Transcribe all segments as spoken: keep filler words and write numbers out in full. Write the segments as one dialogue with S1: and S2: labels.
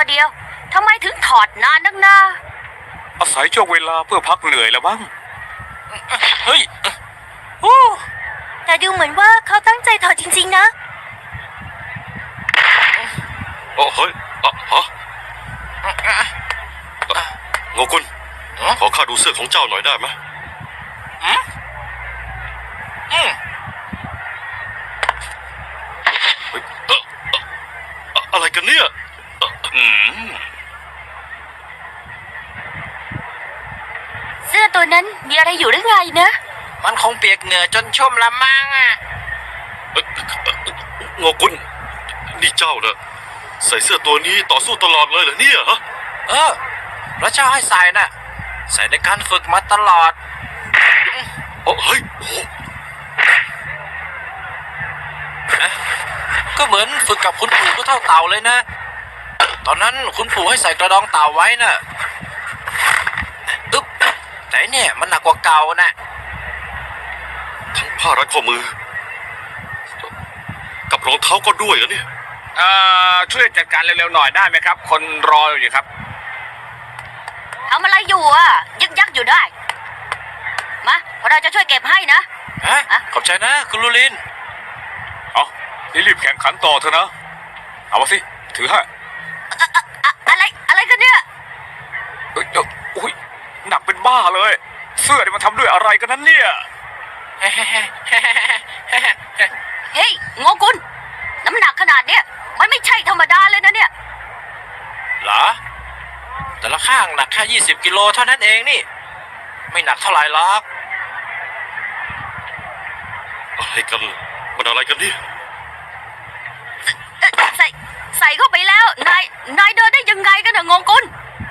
S1: เดียวทำไมถึงถอดนานนักหนา
S2: อาศัยช่วงเวลาเพื่อพักเหนื่อยแล้วมั้ง
S3: เฮ้ยโอ้
S1: แต่ดูเหมือนว่าเขาตั้งใจถอดจริงๆนะ
S4: โอ้เฮ้ยอะฮะโงกุลขอข้าดูเสื้อของเจ้าหน่อยได้ไหม
S3: อืมอืม
S4: เฮ้ยเอ่อเอ่ออะไรกันเนี่ยอืม
S1: เสื้อตัวนั้นมีอะไรอยู่หรือไงนะ
S3: มันคงเปียกเหงื่อจนชุ่มละมังอ่ะ
S4: เอ่อโงกุลนี่เจ้าเนอะใส่เสื้อตัวนี้ต่อสู้ตลอดเลยเหรอเนี่ยฮะ
S3: เออพระเจ้าให้ใส่น่ะใส่ในการฝึกมาตลอด
S4: โอ้เฮ้ยโอ้
S3: ก็เหมือนฝึกกับคุณปู่ก็เท่าเต่าเลยนะตอนนั้นคุณปู่ให้ใส่กระดองเต่าไว้น่ะอึ๊บแต่เนี่ยมันหนักกว่าเก่านะ
S4: ทั้งผ้ารัดข้อมือกับรองเท้าก็ด้วยเหรอเนี่ย
S2: เอ่อช่วยจัดการเร็วๆหน่อยได้ไหมครับคนรออยู่ครับ
S1: ทำอะไรอยู่อ่ะยึกยักอยู่ได้มาเราจะช่วยเก็บให้นะ
S3: ฮะขอบใจนะคุณลูลิน
S2: เอารีบแข่งขันต่อเถอะนะเอามาสิถือให้
S1: อะไรอะไรกันเนี่ย
S2: เอ้ยโอ้ยหนักเป็นบ้าเลยเสื้อนี่มันทำด้วยอะไรกันนั้นเนี่ย
S1: เฮ้ยโงกุลน้ำหนักขนาดเนี้ยมันไม่ใช่ธรรมดาเลยนะเนี่ย
S3: เหรอแต่ละข้างหนักแค่ยี่สิบกิโลเท่านั้นเองนี่ไม่หนักเท่าไหร่หรอก
S4: อะไรกันมันอะไรกันเนี่ย
S1: ใส่ใส่เข้าไปแล้วนายนายเดินได้ยังไงกันนะงงกุล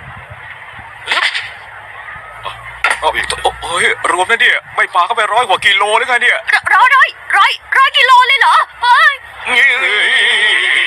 S2: โอ้ยรวมนะเนี่ยไม่ปาเข้าไปร้อยกว่ากิโลหรือไงเนี่ย
S1: ร้อยร้อยร้อยร้อยกิโลเลยเหรอเฮ้ย